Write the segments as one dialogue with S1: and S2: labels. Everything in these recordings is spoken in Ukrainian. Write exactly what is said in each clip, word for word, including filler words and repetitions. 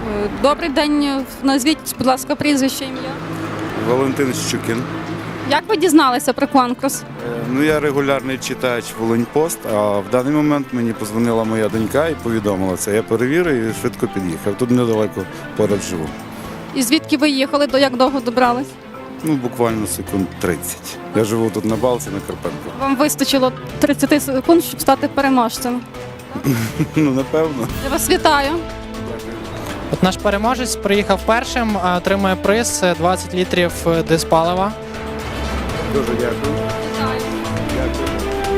S1: Е, Добрий день. Назвіть, будь ласка, прізвище, ім'я.
S2: Валентин Щукін.
S1: Як ви дізналися про конкурс?
S2: Е, Ну, я регулярний читач Волиньпост, а в даний момент мені позвонила моя донька і повідомила це. Я перевірив і швидко під'їхав. Тут недалеко поряд живу.
S1: І звідки ви їхали, до як довго добрались?
S2: Ну, буквально секунд тридцять. Я живу тут на Балці, на Карпенко.
S1: Вам вистачило тридцять секунд, щоб стати переможцем.
S2: Ну, напевно.
S1: Я вас вітаю.
S3: От наш переможець приїхав першим, а отримує приз двадцять літрів диспалива.
S2: Дуже дякую.
S1: Вітаю.
S2: Дякую.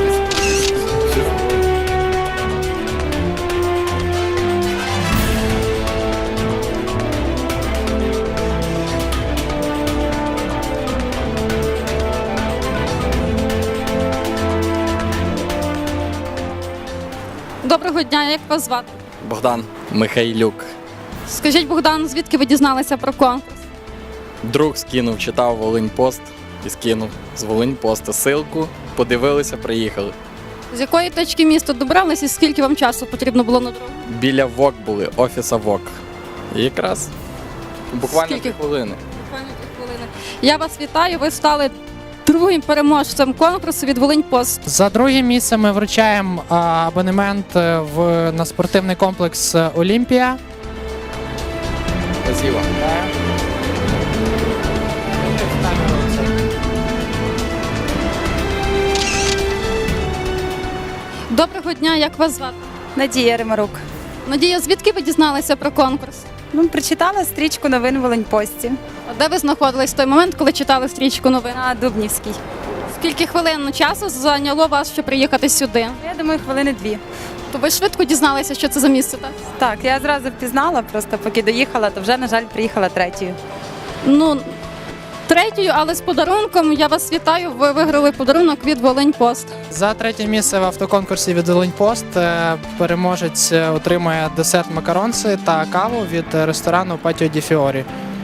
S1: Доброго дня, як вас звати?
S4: Богдан Михайлюк.
S1: Скажіть, Богдан, звідки ви дізналися про конкурс?
S4: Друг скинув, читав Волиньпост і скинув з Волиньпоста ссылку, подивилися, приїхали.
S1: З якої точки міста добрались і скільки вам часу потрібно було на дорогу?
S4: Біля ВОК були, офіса ВОК. І якраз буквально
S1: Скільки?
S4: дві хвилини.
S1: Буквально три хвилини. Я вас вітаю, ви стали другим переможцем конкурсу від Волиньпост.
S3: За друге місце ми вручаємо а, абонемент е, в, на спортивний комплекс е, Олімпія.
S4: Спасибо.
S1: Доброго дня, як вас звати?
S5: Надія Римарук.
S1: Надія, звідки ви дізналися про конкурс?
S5: Ну, прочитала стрічку новин в Волиньпості
S1: А де ви знаходились в той момент, коли читали стрічку новин?
S5: на Дубнівській.
S1: Скільки хвилин часу зайняло вас, щоб приїхати сюди?
S5: Я думаю, хвилини дві.
S1: То ви швидко дізналися, що це за місце, так?
S5: Так, я зразу впізнала, просто поки доїхала, то вже, на жаль, приїхала третьою.
S1: Ну, третьою, але з подарунком. Я вас вітаю, ви виграли подарунок від Волиньпост.
S3: За третє місце в автоконкурсі від Олімпост е, переможець е, отримує десерт макаронси та каву від ресторану Патіо Ді Фіорі.